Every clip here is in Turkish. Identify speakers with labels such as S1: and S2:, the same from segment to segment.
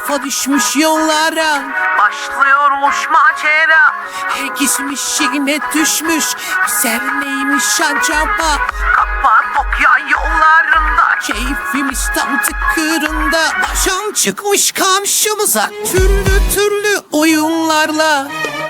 S1: Kafa düşmüş yollara,
S2: başlıyormuş macera.
S1: gitmiş yine düşmüş. Güzel neymiş acaba?
S2: Kapadokya yollarında
S1: Keyfimiz tam tıkırında. Başım çıkmış karşımıza türlü türlü oyunlarla.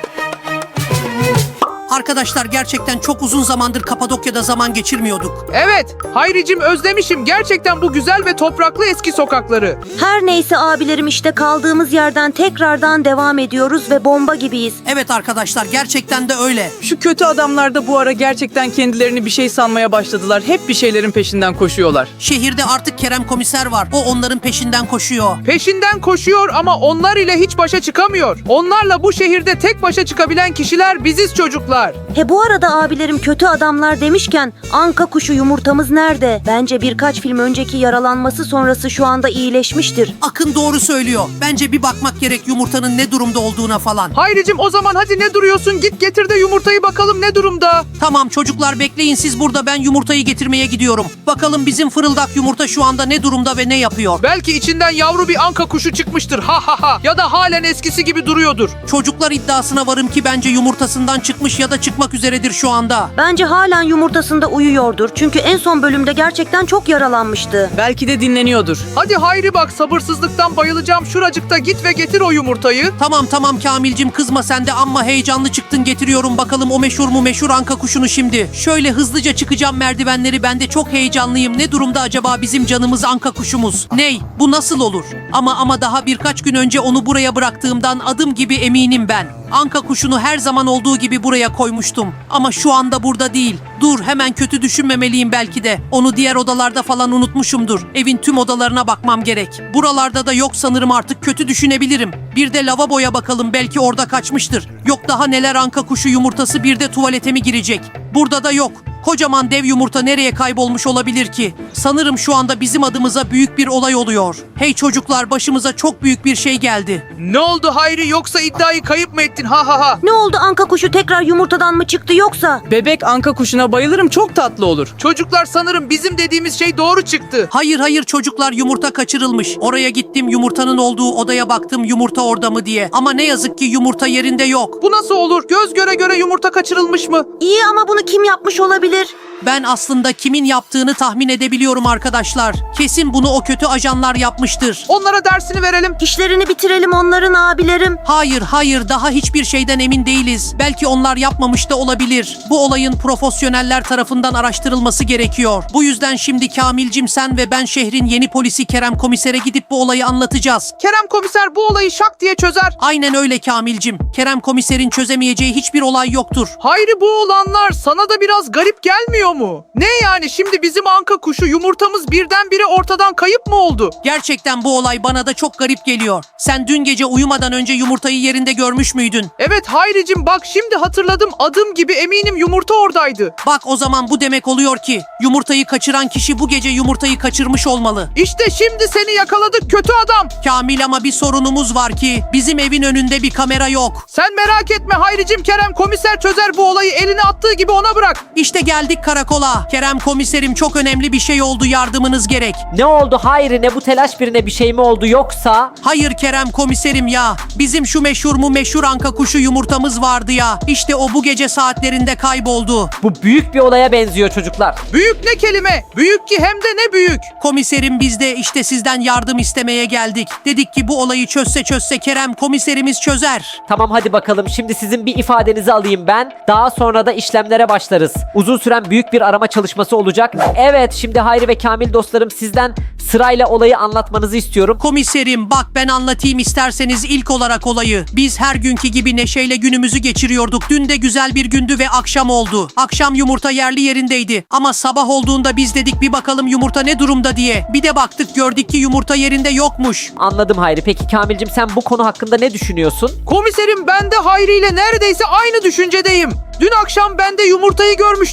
S1: Arkadaşlar gerçekten çok uzun zamandır Kapadokya'da zaman geçirmiyorduk.
S3: Evet, Hayricim özlemişim gerçekten bu güzel ve topraklı eski sokakları.
S4: Her neyse abilerim, işte kaldığımız yerden tekrardan devam ediyoruz ve bomba gibiyiz.
S1: Evet arkadaşlar gerçekten de öyle.
S5: Şu kötü adamlar da bu ara gerçekten kendilerini bir şey sanmaya başladılar. Hep bir şeylerin peşinden koşuyorlar.
S1: Şehirde artık Kerem komiser var. O onların peşinden koşuyor.
S3: Peşinden koşuyor ama onlar ile hiç başa çıkamıyor. Onlarla bu şehirde tek başa çıkabilen kişiler biziz çocuklar.
S4: He, bu arada abilerim, kötü adamlar demişken anka kuşu yumurtamız nerede? Bence birkaç film önceki yaralanması sonrası şu anda iyileşmiştir.
S1: Akın doğru söylüyor. Bence bir bakmak gerek yumurtanın ne durumda olduğuna falan.
S3: Hayricim o zaman hadi ne duruyorsun, git getir de yumurtayı bakalım ne durumda.
S1: Tamam çocuklar bekleyin siz burada, ben yumurtayı getirmeye gidiyorum. Bakalım bizim fırıldak yumurta şu anda ne durumda ve ne yapıyor?
S3: Belki içinden yavru bir anka kuşu çıkmıştır ha ha ha, ya da halen eskisi gibi duruyordur.
S1: Çocuklar iddiasına varım ki bence yumurtasından çıkmış ya da çıkmak üzeredir şu anda.
S4: Bence halen yumurtasında uyuyordur. Çünkü en son bölümde gerçekten çok yaralanmıştı.
S5: Belki de dinleniyordur.
S3: Hadi Hayri bak, sabırsızlıktan bayılacağım, şuracıkta git ve getir o yumurtayı.
S1: Tamam Kamilcim, kızma sen de, amma heyecanlı çıktın, getiriyorum bakalım o meşhur anka kuşunu şimdi. Şöyle hızlıca çıkacağım merdivenleri, ben de çok heyecanlıyım. Ne durumda acaba bizim canımız anka kuşumuz? Ney? Bu nasıl olur? Ama daha birkaç gün önce onu buraya bıraktığımdan adım gibi eminim ben. Anka kuşunu her zaman olduğu gibi buraya koymuştum. Ama şu anda burada değil. Dur, hemen kötü düşünmemeliyim belki de. Onu diğer odalarda falan unutmuşumdur. Evin tüm odalarına bakmam gerek. Buralarda da yok sanırım, artık kötü düşünebilirim. Bir de lavaboya bakalım, belki orada kaçmıştır. Yok daha neler, anka kuşu yumurtası bir de tuvalete mi girecek? Burada da yok. Kocaman dev yumurta nereye kaybolmuş olabilir ki? Sanırım şu anda bizim adımıza büyük bir olay oluyor. Hey çocuklar, başımıza çok büyük bir şey geldi.
S3: Ne oldu Hayri, yoksa iddiayı kayıp mı ettin ha ha ha?
S4: Ne oldu, anka kuşu tekrar yumurtadan mı çıktı yoksa?
S5: Bebek anka kuşuna bayılırım, çok tatlı olur.
S3: Çocuklar sanırım bizim dediğimiz şey doğru çıktı.
S1: Hayır çocuklar, yumurta kaçırılmış. Oraya gittim, yumurtanın olduğu odaya baktım, yumurta orada mı diye. Ama ne yazık ki yumurta yerinde yok.
S3: Bu nasıl olur? Göz göre göre yumurta kaçırılmış mı?
S4: İyi ama bunu kim yapmış olabilir?
S1: Ben aslında kimin yaptığını tahmin edebiliyorum arkadaşlar. Kesin bunu o kötü ajanlar yapmıştır.
S3: Onlara dersini verelim.
S4: İşlerini bitirelim onların abilerim.
S1: Hayır, daha hiçbir şeyden emin değiliz. Belki onlar yapmamış da olabilir. Bu olayın profesyoneller tarafından araştırılması gerekiyor. Bu yüzden şimdi Kamilcim, sen ve ben şehrin yeni polisi Kerem komisere gidip bu olayı anlatacağız.
S3: Kerem komiser bu olayı şak diye çözer.
S1: Aynen öyle Kamilcim. Kerem komiserin çözemeyeceği hiçbir olay yoktur.
S3: Hayri, bu olanlar sana da biraz garip gelmiyor mu? Ne yani, şimdi bizim anka kuşu yumurtamız birdenbire ortadan kayıp mı oldu?
S1: Gerçekten bu olay bana da çok garip geliyor. Sen dün gece uyumadan önce yumurtayı yerinde görmüş müydün?
S3: Evet Hayricim, bak şimdi hatırladım, adım gibi eminim yumurta oradaydı.
S1: Bak o zaman bu demek oluyor ki yumurtayı kaçıran kişi bu gece yumurtayı kaçırmış olmalı.
S3: İşte şimdi seni yakaladık kötü adam.
S1: Kamil, ama bir sorunumuz var ki bizim evin önünde bir kamera yok.
S3: Sen merak etme Hayricim, Kerem komiser çözer bu olayı, eline attığı gibi ona bırak.
S1: İşte geldik karakola. Kerem komiserim, çok önemli bir şey oldu, yardımınız gerek.
S6: Ne oldu Hayri, ne bu telaş, birine bir şey mi oldu yoksa?
S1: Hayır Kerem komiserim ya. Bizim şu meşhur anka kuşu yumurtamız vardı ya. İşte o bu gece saatlerinde kayboldu.
S6: Bu büyük bir olaya benziyor çocuklar.
S3: Büyük ne kelime? Büyük ki hem de ne büyük.
S1: Komiserim, biz de işte sizden yardım istemeye geldik. Dedik ki bu olayı çözse Kerem komiserimiz çözer.
S6: Tamam hadi bakalım, şimdi sizin bir ifadenizi alayım ben. Daha sonra da işlemlere başlarız. Uzun süren büyük bir arama çalışması olacak. Evet, şimdi Hayri ve Kamil dostlarım, sizden sırayla olayı anlatmanızı istiyorum.
S1: Komiserim bak, ben anlatayım isterseniz ilk olarak olayı. Biz her günkü gibi neşeyle günümüzü geçiriyorduk. Dün de güzel bir gündü ve akşam oldu. Akşam yumurta yerli yerindeydi. Ama sabah olduğunda biz dedik bir bakalım yumurta ne durumda diye. Bir de baktık, gördük ki yumurta yerinde yokmuş.
S6: Anladım Hayri. Peki Kamilcim, sen bu konu hakkında ne düşünüyorsun?
S3: Komiserim, ben de Hayri ile neredeyse aynı düşüncedeyim. Dün akşam ben de yumurtayı görmüştüm.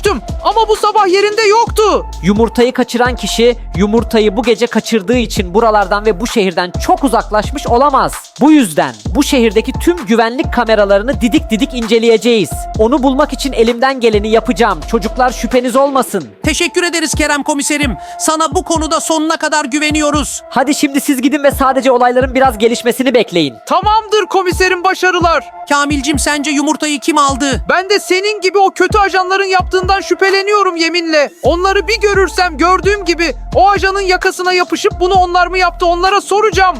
S3: Ama bu sabah yerinde yoktu.
S6: Yumurtayı kaçıran kişi yumurtayı bu gece kaçırdığı için buralardan ve bu şehirden çok uzaklaşmış olamaz. Bu yüzden bu şehirdeki tüm güvenlik kameralarını didik didik inceleyeceğiz. Onu bulmak için elimden geleni yapacağım. Çocuklar şüpheniz olmasın.
S1: Teşekkür ederiz Kerem komiserim. Sana bu konuda sonuna kadar güveniyoruz.
S6: Hadi şimdi siz gidin ve sadece olayların biraz gelişmesini bekleyin.
S3: Tamamdır komiserim, başarılar.
S1: Kamilcim sence yumurtayı kim aldı?
S3: Ben de senin gibi o kötü ajanların yaptığından şüpheleniyorum yeminle. Onları bir görürsem gördüğüm gibi o ajanın yakasına yapışıp bunu onlar mı yaptı onlara soracağım.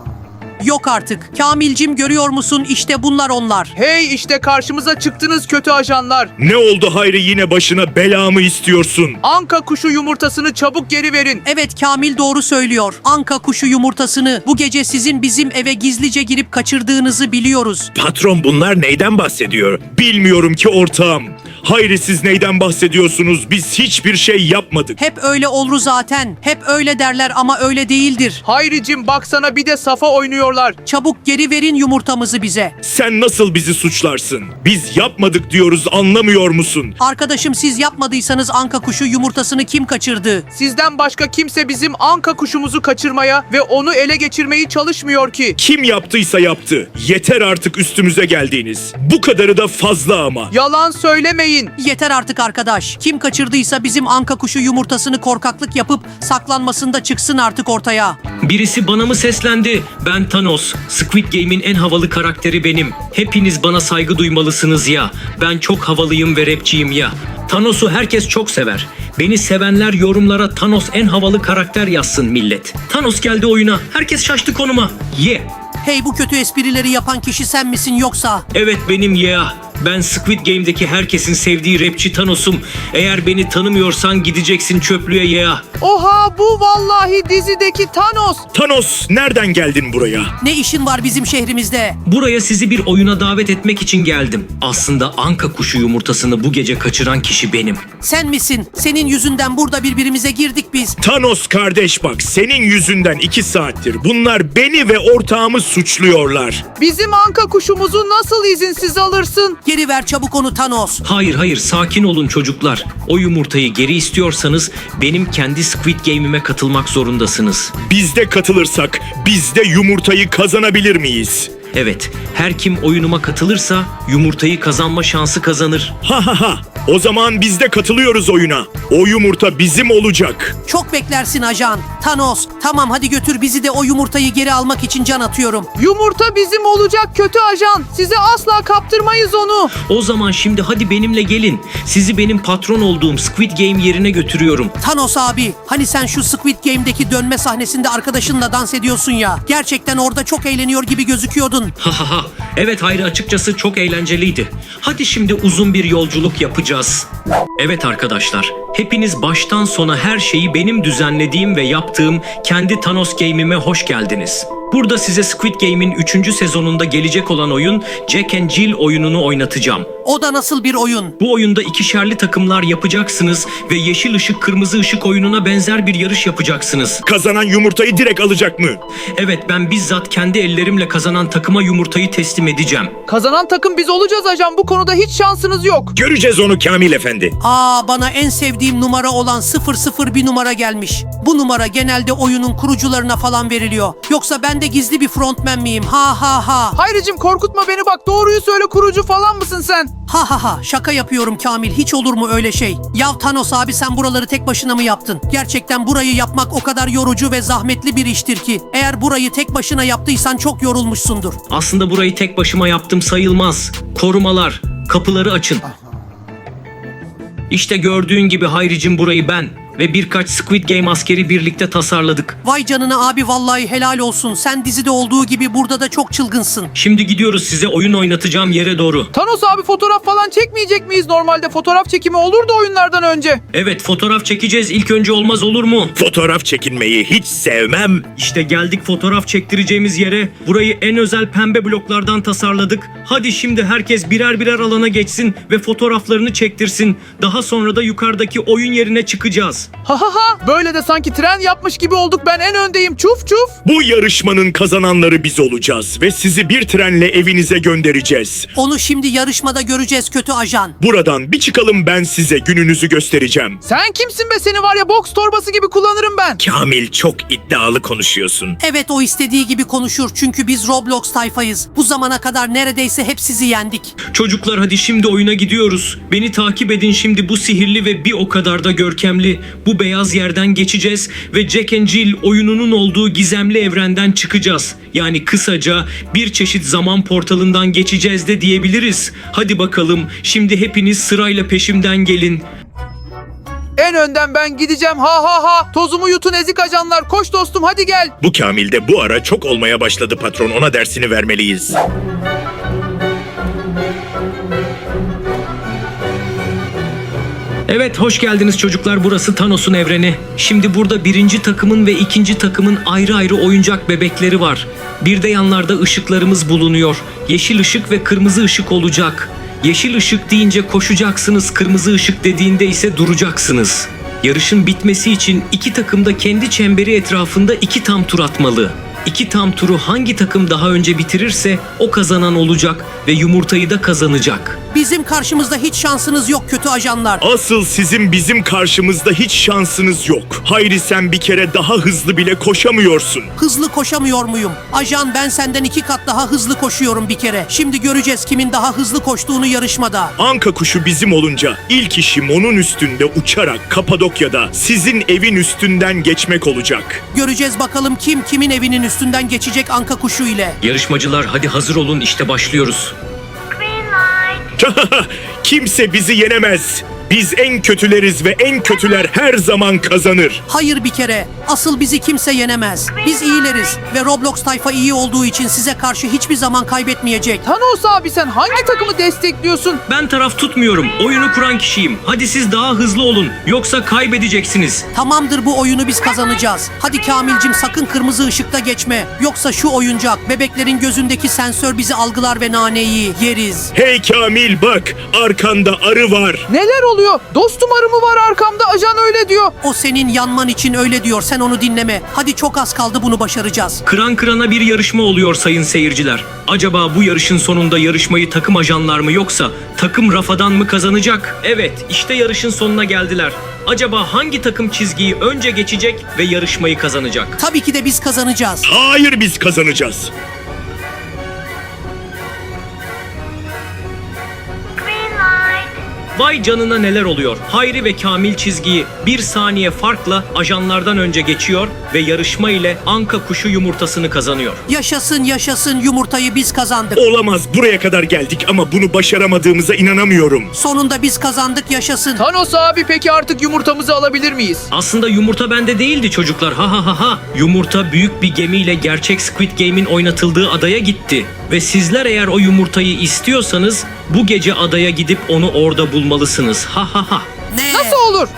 S1: Yok artık. Kamilcim görüyor musun? İşte bunlar onlar.
S3: Hey, işte karşımıza çıktınız kötü ajanlar.
S7: Ne oldu Hayri, yine başına bela mı istiyorsun?
S3: Anka kuşu yumurtasını çabuk geri verin.
S1: Evet, Kamil doğru söylüyor. Anka kuşu yumurtasını bu gece sizin bizim eve gizlice girip kaçırdığınızı biliyoruz.
S7: Patron, bunlar neyden bahsediyor? Bilmiyorum ki ortağım. Hayri, siz neyden bahsediyorsunuz? Biz hiçbir şey yapmadık.
S1: Hep öyle olur zaten. Hep öyle derler ama öyle değildir.
S3: Hayricim baksana, bir de safa oynuyorlar.
S1: Çabuk geri verin yumurtamızı bize.
S7: Sen nasıl bizi suçlarsın? Biz yapmadık diyoruz, anlamıyor musun?
S1: Arkadaşım, siz yapmadıysanız anka kuşu yumurtasını kim kaçırdı?
S3: Sizden başka kimse bizim anka kuşumuzu kaçırmaya ve onu ele geçirmeyi çalışmıyor ki.
S7: Kim yaptıysa yaptı. Yeter artık üstümüze geldiğiniz. Bu kadarı da fazla ama.
S3: Yalan söylemeyin.
S1: Yeter artık arkadaş. Kim kaçırdıysa bizim anka kuşu yumurtasını korkaklık yapıp saklanmasında çıksın artık ortaya.
S8: Birisi bana mı seslendi? Ben Thanos. Squid Game'in en havalı karakteri benim. Hepiniz bana saygı duymalısınız ya. Ben çok havalıyım ve rapçiyim ya. Thanos'u herkes çok sever. Beni sevenler yorumlara Thanos en havalı karakter yazsın millet. Thanos geldi oyuna. Herkes şaştı konuma. Yeah.
S1: Hey, bu kötü esprileri yapan kişi sen misin yoksa?
S8: Evet, benim yeah. Ben Squid Game'deki herkesin sevdiği rapçi Thanos'um. Eğer beni tanımıyorsan gideceksin çöplüğe yeah.
S3: Oha, bu vallahi dizideki Thanos.
S7: Thanos, nereden geldin buraya?
S1: Ne işin var bizim şehrimizde?
S8: Buraya sizi bir oyuna davet etmek için geldim. Aslında anka kuşu yumurtasını bu gece kaçıran kişi benim.
S1: Sen misin? Senin yüzünden burada birbirimize girdik biz.
S7: Thanos kardeş, bak senin yüzünden 2 saattir bunlar beni ve ortağımı suçluyorlar.
S3: Bizim anka kuşumuzu nasıl izinsiz alırsın?
S1: Geri ver çabuk onu Thanos.
S8: Hayır, sakin olun çocuklar. O yumurtayı geri istiyorsanız benim kendi Squid Game'ime katılmak zorundasınız.
S7: Biz de katılırsak biz de yumurtayı kazanabilir miyiz?
S8: Evet, her kim oyunuma katılırsa yumurtayı kazanma şansı kazanır.
S7: Ha ha ha. O zaman biz de katılıyoruz oyuna. O yumurta bizim olacak.
S1: Çok beklersin ajan. Thanos, tamam hadi götür bizi de o yumurtayı geri almak için can atıyorum.
S3: Yumurta bizim olacak kötü ajan. Size asla kaptırmayız onu.
S8: O zaman şimdi hadi benimle gelin. Sizi benim patron olduğum Squid Game yerine götürüyorum.
S1: Thanos abi, hani sen şu Squid Game'deki dönme sahnesinde arkadaşınla dans ediyorsun ya. Gerçekten orada çok eğleniyor gibi gözüküyordun.
S8: Ha ha ha. Evet Hayri, açıkçası çok eğlenceliydi. Hadi şimdi uzun bir yolculuk yapacağız. Evet arkadaşlar, hepiniz baştan sona her şeyi benim düzenlediğim ve yaptığım kendi Thanos Game'ime hoş geldiniz. Burada size Squid Game'in 3. sezonunda gelecek olan oyun Jack and Jill oyununu oynatacağım.
S1: O da nasıl bir oyun?
S8: Bu oyunda ikişerli takımlar yapacaksınız ve yeşil ışık kırmızı ışık oyununa benzer bir yarış yapacaksınız.
S7: Kazanan yumurtayı direkt alacak mı?
S8: Evet, ben bizzat kendi ellerimle kazanan takıma yumurtayı teslim edeceğim.
S3: Kazanan takım biz olacağız ajan. Bu konuda hiç şansınız yok.
S7: Göreceğiz onu Kamil Efendi.
S1: Bana en sevdiğim numara olan 00 bir numara gelmiş. Bu numara genelde oyunun kurucularına falan veriliyor. Yoksa ben de gizli bir frontman miyim? Ha ha ha.
S3: Hayricim korkutma beni bak. Doğruyu söyle, kurucu falan mısın sen?
S1: Ha ha ha, şaka yapıyorum Kamil, hiç olur mu öyle şey? Yav Thanos abi, sen buraları tek başına mı yaptın? Gerçekten burayı yapmak o kadar yorucu ve zahmetli bir iştir ki. Eğer burayı tek başına yaptıysan çok yorulmuşsundur.
S8: Aslında burayı tek başıma yaptım sayılmaz. Korumalar, kapıları açın. İşte gördüğün gibi Hayricim, burayı ben ve birkaç Squid Game askeri birlikte tasarladık.
S1: Vay canına abi, vallahi helal olsun. Sen dizide olduğu gibi burada da çok çılgınsın.
S8: Şimdi gidiyoruz size oyun oynatacağım yere doğru.
S3: Thanos abi, fotoğraf falan çekmeyecek miyiz? Normalde fotoğraf çekimi olurdu oyunlardan önce.
S8: Evet, fotoğraf çekeceğiz ilk önce, olmaz olur mu?
S7: Fotoğraf çekinmeyi hiç sevmem.
S8: İşte geldik fotoğraf çektireceğimiz yere. Burayı en özel pembe bloklardan tasarladık. Hadi şimdi herkes birer birer alana geçsin ve fotoğraflarını çektirsin. Daha sonra da yukarıdaki oyun yerine çıkacağız.
S3: Ha ha ha. Böyle de sanki tren yapmış gibi olduk. Ben en öndeyim. Çuf çuf.
S7: Bu yarışmanın kazananları biz olacağız ve sizi bir trenle evinize göndereceğiz.
S1: Onu şimdi yarışmada göreceğiz kötü ajan.
S7: Buradan bir çıkalım, ben size gününüzü göstereceğim.
S3: Sen kimsin be, seni var ya boks torbası gibi kullanırım ben.
S7: Kamil, çok iddialı konuşuyorsun.
S1: Evet, o istediği gibi konuşur çünkü biz Roblox tayfayız. Bu zamana kadar neredeyse hep sizi yendik.
S8: Çocuklar hadi şimdi oyuna gidiyoruz. Beni takip edin, şimdi bu sihirli ve bir o kadar da görkemli bu beyaz yerden geçeceğiz ve Jack and Jill oyununun olduğu gizemli evrenden çıkacağız. Yani kısaca bir çeşit zaman portalından geçeceğiz de diyebiliriz. Hadi bakalım, şimdi hepiniz sırayla peşimden gelin.
S3: En önden ben gideceğim. Ha ha ha. Tozumu yutun ezik ajanlar. Koş dostum, hadi gel.
S7: Bu Kamil de bu ara çok olmaya başladı patron. Ona dersini vermeliyiz.
S8: Evet, hoş geldiniz çocuklar, burası Thanos'un evreni. Şimdi burada birinci takımın ve ikinci takımın ayrı ayrı oyuncak bebekleri var. Bir de yanlarda ışıklarımız bulunuyor. Yeşil ışık ve kırmızı ışık olacak. Yeşil ışık deyince koşacaksınız, kırmızı ışık dediğinde ise duracaksınız. Yarışın bitmesi için iki takım da kendi çemberi etrafında 2 tam tur atmalı. 2 tam turu hangi takım daha önce bitirirse o kazanan olacak ve yumurtayı da kazanacak.
S1: Bizim karşımızda hiç şansınız yok kötü ajanlar.
S7: Asıl sizin bizim karşımızda hiç şansınız yok. Hayri, sen bir kere daha hızlı bile koşamıyorsun.
S1: Hızlı koşamıyor muyum? Ajan, ben senden 2 kat daha hızlı koşuyorum bir kere. Şimdi göreceğiz kimin daha hızlı koştuğunu yarışmada.
S7: Anka kuşu bizim olunca ilk işim onun üstünde uçarak Kapadokya'da sizin evin üstünden geçmek olacak.
S1: Göreceğiz bakalım kim kimin evinin üstünden geçecek anka kuşu ile.
S8: Yarışmacılar hadi hazır olun, işte başlıyoruz.
S7: Kimse bizi yenemez. Biz en kötüleriz ve en kötüler her zaman kazanır.
S1: Hayır bir kere. Asıl bizi kimse yenemez. Biz iyileriz ve Roblox tayfa iyi olduğu için size karşı hiçbir zaman kaybetmeyecek.
S3: Thanos abi, sen hangi takımı destekliyorsun?
S8: Ben taraf tutmuyorum. Oyunu kuran kişiyim. Hadi siz daha hızlı olun. Yoksa kaybedeceksiniz.
S1: Tamamdır, bu oyunu biz kazanacağız. Hadi Kamilcim, sakın kırmızı ışıkta geçme. Yoksa şu oyuncak, bebeklerin gözündeki sensör bizi algılar ve naneyi yeriz.
S7: Hey Kamil, bak arkanda arı var.
S3: Neler oluyor? Dostum, arı mı var arkamda? Ajan öyle diyor.
S1: O senin yanman için öyle diyor, sen onu dinleme. Hadi çok az kaldı, bunu başaracağız.
S8: Kıran kırana bir yarışma oluyor sayın seyirciler. Acaba bu yarışın sonunda yarışmayı takım ajanlar mı yoksa takım Rafadan mı kazanacak? Evet, işte yarışın sonuna geldiler. Acaba hangi takım çizgiyi önce geçecek ve yarışmayı kazanacak?
S1: Tabii ki de biz kazanacağız.
S7: Hayır, biz kazanacağız.
S8: Vay canına, neler oluyor? Hayri ve Kamil çizgiyi 1 saniye farkla ajanlardan önce geçiyor ve yarışma ile anka kuşu yumurtasını kazanıyor.
S1: Yaşasın yaşasın, yumurtayı biz kazandık.
S7: Olamaz, buraya kadar geldik ama bunu başaramadığımıza inanamıyorum.
S1: Sonunda biz kazandık, yaşasın.
S3: Thanos abi, peki artık yumurtamızı alabilir miyiz?
S8: Aslında yumurta bende değildi çocuklar. Ha ha ha ha. Yumurta büyük bir gemiyle gerçek Squid Game'in oynatıldığı adaya gitti. Ve sizler eğer o yumurtayı istiyorsanız bu gece adaya gidip onu orada bulmalısınız. Ha ha ha.
S1: Ne?
S3: Nasıl olur?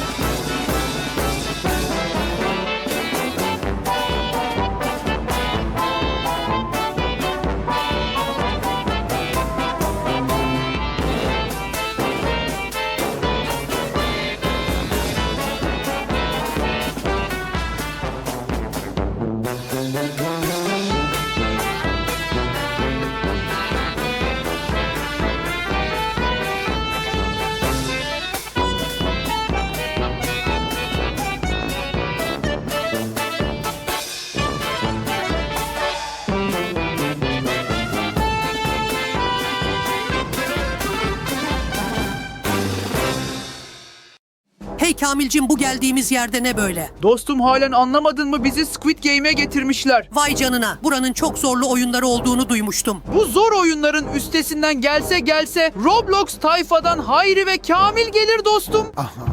S1: Hey Kamilcim, bu geldiğimiz yerde ne böyle?
S3: Dostum, halen anlamadın mı? Bizi Squid Game'e getirmişler.
S1: Vay canına, buranın çok zorlu oyunları olduğunu duymuştum.
S3: Bu zor oyunların üstesinden gelse Roblox tayfadan Hayri ve Kamil gelir dostum.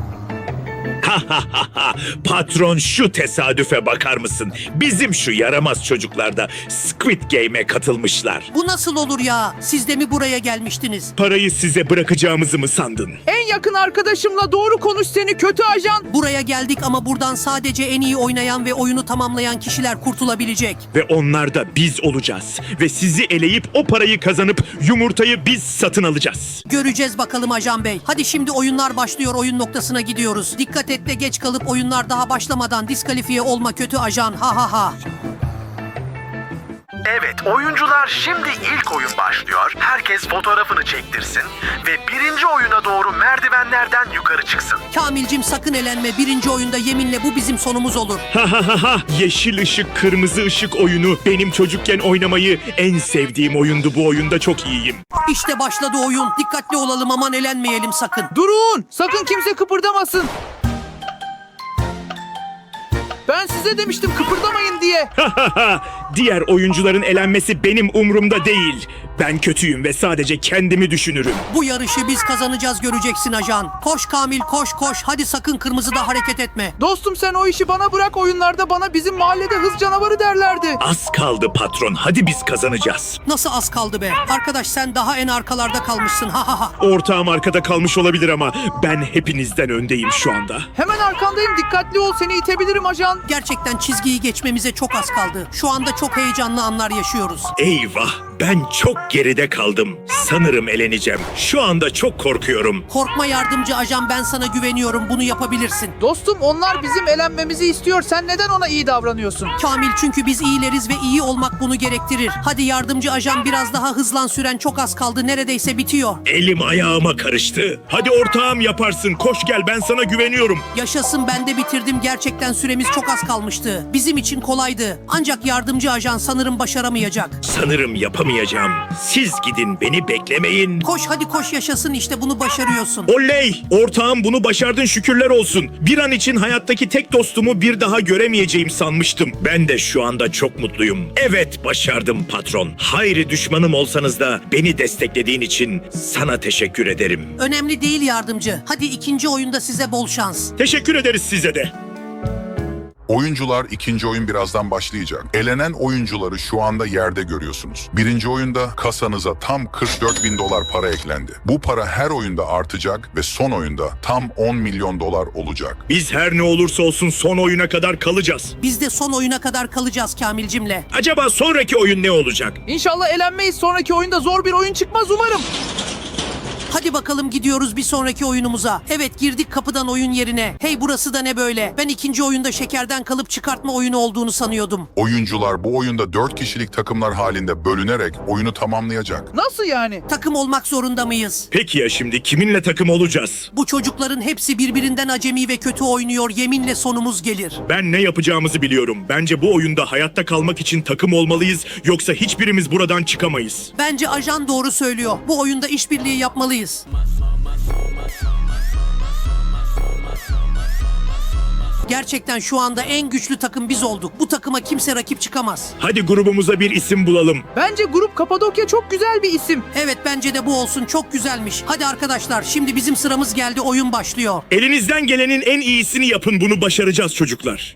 S7: Patron, şu tesadüfe bakar mısın? Bizim şu yaramaz çocuklar da Squid Game'e katılmışlar.
S1: Bu nasıl olur ya? Siz de mi buraya gelmiştiniz?
S7: Parayı size bırakacağımızı mı sandın?
S3: En yakın arkadaşımla doğru konuş, seni kötü ajan.
S1: Buraya geldik ama buradan sadece en iyi oynayan ve oyunu tamamlayan kişiler kurtulabilecek.
S7: Ve onlar da biz olacağız. Ve sizi eleyip o parayı kazanıp yumurtayı biz satın alacağız.
S1: Göreceğiz bakalım ajan bey. Hadi şimdi oyunlar başlıyor, oyun noktasına gidiyoruz. Dikkat et, Tuvaletle geç kalıp oyunlar daha başlamadan diskalifiye olma kötü ajan, ha ha ha.
S9: Evet, oyuncular, şimdi ilk oyun başlıyor. Herkes fotoğrafını çektirsin ve birinci oyuna doğru merdivenlerden yukarı çıksın.
S1: Kamilcim sakın elenme, birinci oyunda yeminle bu bizim sonumuz olur.
S7: Ha ha ha ha. Yeşil ışık, kırmızı ışık oyunu. Benim çocukken oynamayı en sevdiğim oyundu. Bu oyunda çok iyiyim.
S1: İşte başladı oyun, dikkatli olalım, aman elenmeyelim sakın.
S3: Durun! Sakın kimse kıpırdamasın. Ben size demiştim kıpırdamayın diye.
S7: Diğer oyuncuların elenmesi benim umurumda değil. Ben kötüyüm ve sadece kendimi düşünürüm.
S1: Bu yarışı biz kazanacağız, göreceksin ajan. Koş Kamil, koş koş, hadi sakın kırmızıda hareket etme.
S3: Dostum sen o işi bana bırak, oyunlarda bana bizim mahallede hız canavarı derlerdi.
S7: Az kaldı patron. Hadi biz kazanacağız.
S1: Nasıl az kaldı be? Arkadaş sen daha en arkalarda kalmışsın, ha ha ha.
S7: Ortağım arkada kalmış olabilir ama ben hepinizden öndeyim şu anda.
S3: Hemen arkandayım, dikkatli ol, seni itebilirim ajan.
S1: Gerçekten çizgiyi geçmemize çok az kaldı. Şu anda çok heyecanlı anlar yaşıyoruz.
S7: Eyvah, ben çok geride kaldım. Sanırım eleneceğim. Şu anda çok korkuyorum.
S1: Korkma yardımcı ajan, ben sana güveniyorum, bunu yapabilirsin.
S3: Dostum onlar bizim elenmemizi istiyor, sen neden ona iyi davranıyorsun?
S1: Kamil, çünkü biz iyileriz ve iyi olmak bunu gerektirir. Hadi yardımcı ajan, biraz daha hızlan, süren çok az kaldı, neredeyse bitiyor.
S7: Elim ayağıma karıştı. Hadi ortağım yaparsın. Koş gel, ben sana güveniyorum.
S1: Yaşasın, ben de bitirdim, gerçekten süremiz çok az kalmıştı. Bizim için kolaydı. Ancak yardımcı ajan sanırım başaramayacak.
S7: Sanırım yapamayacağım. Siz gidin, beni beklemeyin.
S1: Koş hadi koş, yaşasın, işte bunu başarıyorsun.
S7: Oley! Ortağım, bunu başardın, şükürler olsun. Bir an için hayattaki tek dostumu bir daha göremeyeceğim sanmıştım. Ben de şu anda çok mutluyum. Evet, başardım patron. Hayri düşmanım olsanız da beni desteklediğin için sana teşekkür ederim.
S1: Önemli değil yardımcı. Hadi ikinci oyunda size bol şans.
S7: Teşekkür ederiz size de.
S10: Oyuncular, ikinci oyun birazdan başlayacak. Elenen oyuncuları şu anda yerde görüyorsunuz. Birinci oyunda kasanıza tam $44.000 para eklendi. Bu para her oyunda artacak ve son oyunda tam $10 milyon olacak.
S7: Biz her ne olursa olsun son oyuna kadar kalacağız.
S1: Biz de son oyuna kadar kalacağız Kamilcimle.
S7: Acaba sonraki oyun ne olacak?
S3: İnşallah elenmeyiz, sonraki oyunda zor bir oyun çıkmaz umarım.
S1: Hadi bakalım, gidiyoruz bir sonraki oyunumuza. Evet, girdik kapıdan oyun yerine. Hey, burası da ne böyle? Ben ikinci oyunda şekerden kalıp çıkartma oyunu olduğunu sanıyordum.
S10: Oyuncular bu oyunda 4 kişilik takımlar halinde bölünerek oyunu tamamlayacak.
S3: Nasıl yani?
S1: Takım olmak zorunda mıyız?
S7: Peki ya şimdi kiminle takım olacağız?
S1: Bu çocukların hepsi birbirinden acemi ve kötü oynuyor. Yeminle sonumuz gelir.
S7: Ben ne yapacağımızı biliyorum. Bence bu oyunda hayatta kalmak için takım olmalıyız, yoksa hiçbirimiz buradan çıkamayız.
S1: Bence ajan doğru söylüyor. Bu oyunda işbirliği yapmalıyız. Gerçekten şu anda en güçlü takım biz olduk. Bu takıma kimse rakip çıkamaz.
S7: Hadi grubumuza bir isim bulalım.
S3: Bence grup Kapadokya çok güzel bir isim.
S1: Evet, bence de bu olsun, çok güzelmiş. Hadi arkadaşlar, şimdi bizim sıramız geldi, oyun başlıyor.
S7: Elinizden gelenin en iyisini yapın, bunu başaracağız çocuklar.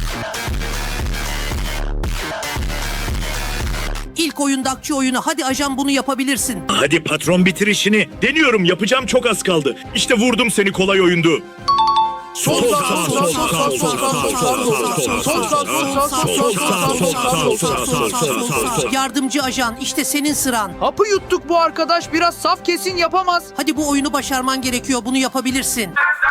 S1: İlk oyun Dakçı oyunu, hadi ajan bunu yapabilirsin.
S7: Hadi patron, bitir işini. Deniyorum, yapacağım, çok az kaldı. İşte vurdum seni, kolay oyundu. Sol sağ, sol sağ, sol sağ, sol sağ.
S1: Yardımcı ajan, işte senin sıran.
S3: Hapı yuttuk, bu arkadaş biraz saf, kesin yapamaz.
S1: Hadi bu oyunu başarman gerekiyor, bunu yapabilirsin.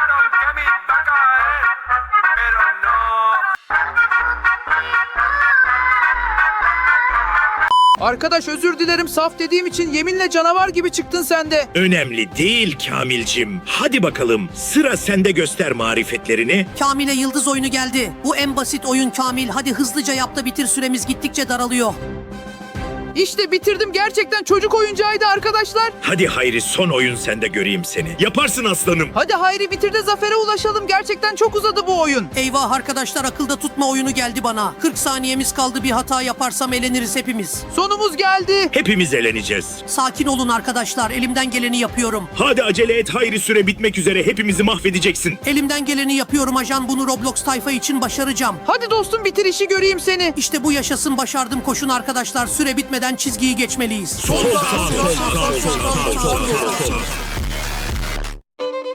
S3: Arkadaş özür dilerim, saf dediğim için, yeminle canavar gibi çıktın sen de.
S7: Önemli değil Kamilcim. Hadi bakalım, sıra sende, göster marifetlerini.
S1: Kamil'e yıldız oyunu geldi. Bu en basit oyun Kamil. Hadi hızlıca yap da bitir, süremiz gittikçe daralıyor.
S3: İşte bitirdim, gerçekten çocuk oyuncağıydı arkadaşlar.
S7: Hadi Hayri, son oyun sende, göreyim seni. Yaparsın aslanım.
S3: Hadi Hayri, bitir de zafere ulaşalım, gerçekten çok uzadı bu oyun.
S1: Eyvah arkadaşlar, akılda tutma oyunu geldi bana. 40 saniyemiz kaldı, bir hata yaparsam eleniriz hepimiz.
S3: Sonumuz geldi.
S7: Hepimiz eleneceğiz.
S1: Sakin olun arkadaşlar, elimden geleni yapıyorum.
S7: Hadi acele et Hayri, süre bitmek üzere, hepimizi mahvedeceksin.
S1: Elimden geleni yapıyorum ajan, bunu Roblox tayfa için başaracağım.
S3: Hadi dostum, bitir işi, göreyim seni.
S1: İşte bu yaşasın, başardım, koşun arkadaşlar, süre bitmeden çizgiyi geçmeliyiz.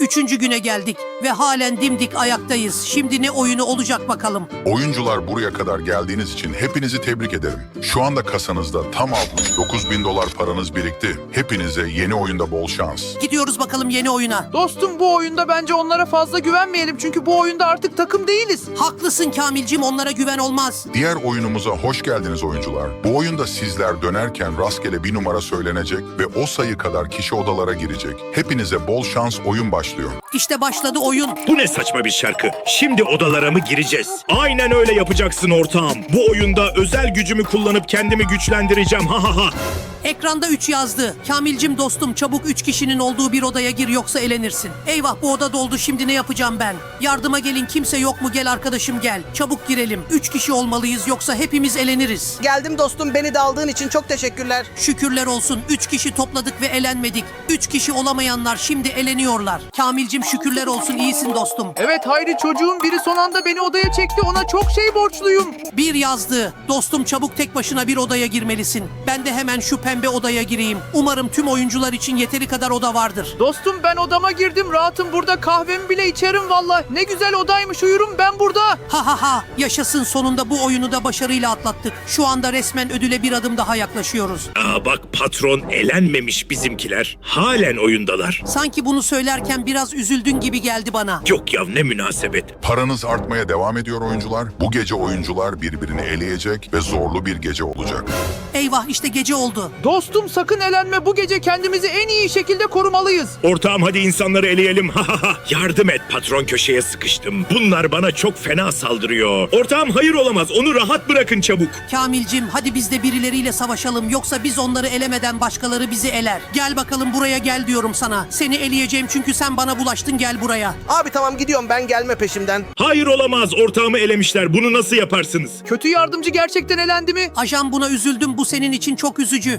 S1: 3. güne geldik ve halen dimdik ayaktayız. Şimdi ne oyunu olacak bakalım.
S10: Oyuncular buraya kadar geldiğiniz için hepinizi tebrik ederim. Şu anda kasanızda tam 69.000 dolar paranız birikti. Hepinize yeni oyunda bol şans.
S1: Gidiyoruz bakalım yeni oyuna.
S3: Dostum bu oyunda bence onlara fazla güvenmeyelim. Çünkü bu oyunda artık takım değiliz.
S1: Haklısın Kamilcim, onlara güven olmaz.
S10: Diğer oyunumuza hoş geldiniz oyuncular. Bu oyunda sizler dönerken rastgele bir numara söylenecek ve o sayı kadar kişi odalara girecek. Hepinize bol şans, oyun başlıyor.
S1: İşte başladı oyun.
S7: Bu ne saçma bir şarkı. Şimdi odalara mı gireceğiz? Aynen öyle yapacaksın ortağım. Bu oyunda özel gücümü kullanıp kendimi güçlendireceğim. Ha ha ha.
S1: Ekranda 3 yazdı. Kamilcim dostum, çabuk 3 kişinin olduğu bir odaya gir yoksa elenirsin. Eyvah, bu oda doldu, şimdi ne yapacağım ben? Yardıma gelin, kimse yok mu? Gel arkadaşım gel. Çabuk girelim. 3 kişi olmalıyız yoksa hepimiz eleniriz.
S2: Geldim dostum, beni de aldığın için çok teşekkürler.
S1: Şükürler olsun 3 kişi topladık ve elenmedik. 3 kişi olamayanlar şimdi eleniyorlar. Kamilcim şükürler olsun, iyisin dostum.
S3: Evet Hayri, çocuğun biri son anda beni odaya çekti. Ona çok şey borçluyum.
S1: 1 yazdı. Dostum çabuk tek başına bir odaya girmelisin. Ben de hemen şu pembe odaya gireyim. Umarım tüm oyuncular için yeteri kadar oda vardır.
S3: Dostum ben odama girdim. Rahatım burada. Kahvemi bile içerim valla. Ne güzel odaymış, uyurum ben burada.
S1: Ha ha ha, yaşasın, sonunda bu oyunu da başarıyla atlattık. Şu anda resmen ödüle bir adım daha yaklaşıyoruz.
S7: Aa bak, patron elenmemiş bizimkiler. Halen oyundalar.
S1: Sanki bunu söylerken biraz üzüldün gibi geldi bana.
S7: Yok ya, ne münasebet.
S10: Paranız artmaya devam ediyor oyuncular. Bu gece oyuncular birbirini eleyecek ve zorlu bir gece olacak.
S1: Eyvah, işte gece oldu.
S3: Dostum sakın elenme. Bu gece kendimizi en iyi şekilde korumalıyız.
S7: Ortağım hadi insanları eleyelim. Ha ha ha. Yardım et patron, köşeye sıkıştım. Bunlar bana çok fena saldırıyor. Ortağım hayır olamaz. Onu rahat bırakın çabuk.
S1: Kamilcim hadi biz de birileriyle savaşalım, yoksa biz onları elemeden başkaları bizi eler. Gel bakalım buraya, gel diyorum sana. Seni eleyeceğim çünkü sen bana bulaştın, gel buraya.
S2: Abi tamam, gidiyorum ben, gelme peşimden.
S7: Hayır olamaz. Ortağımı elemişler. Bunu nasıl yaparsınız?
S3: Kötü yardımcı gerçekten elendi mi?
S1: Ajan, buna üzüldüm, bu senin için çok üzücü.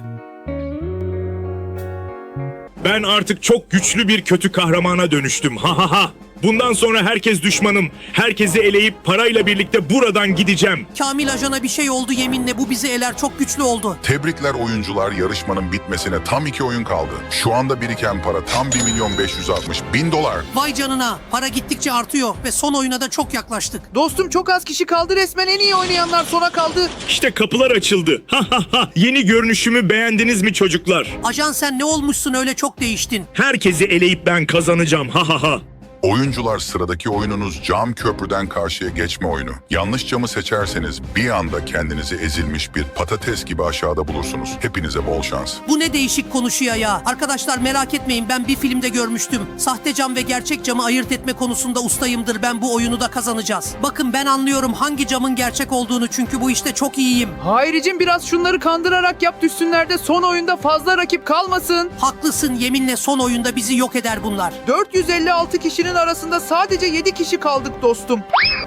S7: Ben artık çok güçlü bir kötü kahramana dönüştüm. Ha ha ha. Bundan sonra herkes düşmanım. Herkesi eleyip parayla birlikte buradan gideceğim.
S1: Kamil, ajana bir şey oldu yeminle, bu bizi eler, çok güçlü oldu.
S10: Tebrikler oyuncular, yarışmanın bitmesine tam 2 oyun kaldı. Şu anda biriken para tam 1.560.000 dolar.
S1: Vay canına, para gittikçe artıyor ve son oyuna da çok yaklaştık.
S3: Dostum çok az kişi kaldı. Resmen en iyi oynayanlar sona kaldı.
S7: İşte kapılar açıldı. Ha ha ha. Yeni görünüşümü beğendiniz mi çocuklar?
S1: Ajan, sen ne olmuşsun öyle, çok değiştin.
S7: Herkesi eleyip ben kazanacağım. Ha ha ha.
S10: Oyuncular, sıradaki oyununuz cam köprüden karşıya geçme oyunu. Yanlış camı seçerseniz bir anda kendinizi ezilmiş bir patates gibi aşağıda bulursunuz. Hepinize bol şans.
S1: Bu ne değişik konuşuyor ya. Arkadaşlar merak etmeyin, ben bir filmde görmüştüm. Sahte cam ve gerçek camı ayırt etme konusunda ustayımdır. Ben bu oyunu da kazanacağız. Bakın ben anlıyorum hangi camın gerçek olduğunu, çünkü bu işte çok iyiyim.
S3: Hayricim biraz şunları kandırarak yap, düşsünler de son oyunda fazla rakip kalmasın.
S1: Haklısın, yeminle son oyunda bizi yok eder bunlar.
S3: 456 kişinin arasında sadece 7 kişi kaldık dostum.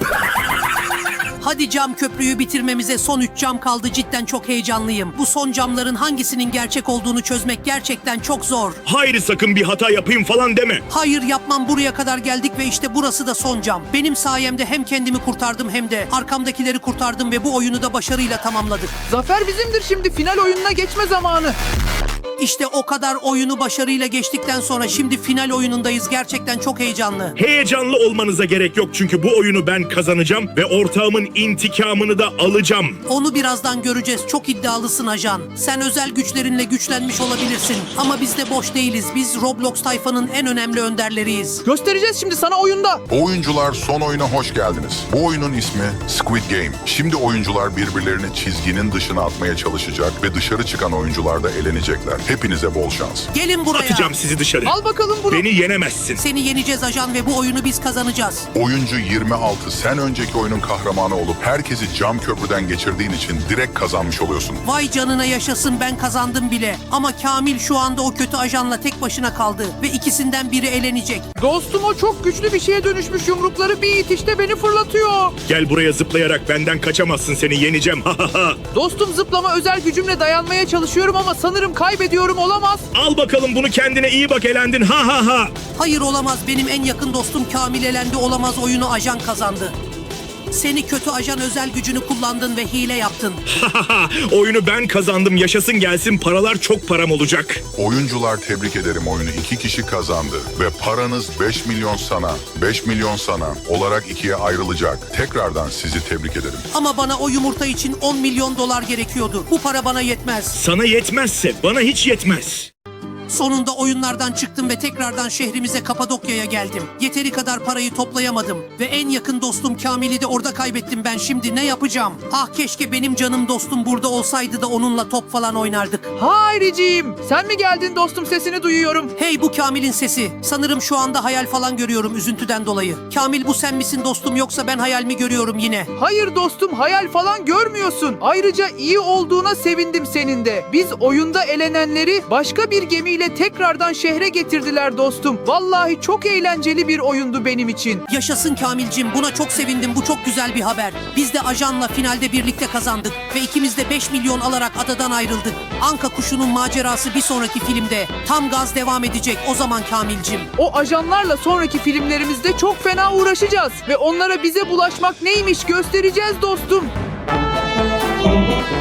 S1: Hadi cam köprüyü bitirmemize son 3 cam kaldı, cidden çok heyecanlıyım. Bu son camların hangisinin gerçek olduğunu çözmek gerçekten çok zor.
S7: Hayır, sakın bir hata yapayım falan deme.
S1: Hayır yapmam, buraya kadar geldik ve işte burası da son cam. Benim sayemde hem kendimi kurtardım hem de arkamdakileri kurtardım ve bu oyunu da başarıyla tamamladık.
S3: Zafer bizimdir, şimdi final oyununa geçme zamanı.
S1: İşte o kadar oyunu başarıyla geçtikten sonra şimdi final oyunundayız. Gerçekten çok heyecanlı.
S7: Heyecanlı olmanıza gerek yok çünkü bu oyunu ben kazanacağım ve ortağımın intikamını da alacağım.
S1: Onu birazdan göreceğiz. Çok iddialısın ajan. Sen özel güçlerinle güçlenmiş olabilirsin. Ama biz de boş değiliz. Biz Roblox tayfanın en önemli önderleriyiz.
S3: Göstereceğiz şimdi sana oyunda.
S10: Oyuncular, son oyuna hoş geldiniz. Bu oyunun ismi Squid Game. Şimdi oyuncular birbirlerini çizginin dışına atmaya çalışacak ve dışarı çıkan oyuncular da elenecekler. Hepinize bol şans.
S1: Gelin buraya.
S7: Atacağım sizi dışarı.
S3: Al bakalım bunu.
S7: Beni yenemezsin.
S1: Seni yeneceğiz ajan ve bu oyunu biz kazanacağız.
S10: Oyuncu 26, sen önceki oyunun kahramanı olup herkesi cam köprüden geçirdiğin için direkt kazanmış oluyorsun.
S1: Vay canına, yaşasın, ben kazandım bile. Ama Kamil şu anda o kötü ajanla tek başına kaldı ve ikisinden biri elenecek.
S3: Dostum o çok güçlü bir şeye dönüşmüş, yumrukları bir itişte beni fırlatıyor.
S7: Gel buraya, zıplayarak benden kaçamazsın, seni yeneceğim. Ha ha ha.
S3: Dostum zıplama özel gücümle dayanmaya çalışıyorum ama sanırım kaybediyorum, olamaz.
S7: Al bakalım bunu, kendine iyi bak, elendin. Ha ha ha.
S1: Hayır olamaz, benim en yakın dostum Kamil elendi, olamaz, oyunu ajan kazandı. Seni kötü ajan özel gücünü kullandın ve hile yaptın.
S7: Oyunu ben kazandım, yaşasın gelsin, paralar çok param olacak.
S10: Oyuncular tebrik ederim, oyunu 2 kişi kazandı. Ve paranız 5 milyon sana, 5 milyon sana olarak ikiye ayrılacak. Tekrardan sizi tebrik ederim.
S1: Ama bana o yumurta için 10 milyon dolar gerekiyordu. Bu para bana yetmez.
S7: Sana yetmezse bana hiç yetmez.
S1: Sonunda oyunlardan çıktım ve tekrardan şehrimize Kapadokya'ya geldim. Yeteri kadar parayı toplayamadım ve en yakın dostum Kamil'i de orada kaybettim ben. Şimdi ne yapacağım? Ah keşke benim canım dostum burada olsaydı da onunla top falan oynardık.
S3: Hayriciğim, sen mi geldin dostum, sesini duyuyorum.
S1: Hey, bu Kamil'in sesi. Sanırım şu anda hayal falan görüyorum üzüntüden dolayı. Kamil, bu sen misin dostum, yoksa ben hayal mi görüyorum yine?
S3: Hayır dostum, hayal falan görmüyorsun. Ayrıca iyi olduğuna sevindim senin de. Biz oyunda elenenleri başka bir gemiyle tekrardan şehre getirdiler dostum. Vallahi çok eğlenceli bir oyundu benim için.
S1: Yaşasın Kamil'cim, buna çok sevindim, bu çok güzel bir haber. Biz de ajanla finalde birlikte kazandık ve ikimiz de 5 milyon alarak adadan ayrıldık. Anka kuşunun macerası bir sonraki filmde tam gaz devam edecek o zaman Kamil'cim.
S3: O ajanlarla sonraki filmlerimizde çok fena uğraşacağız ve onlara bize bulaşmak neymiş göstereceğiz dostum.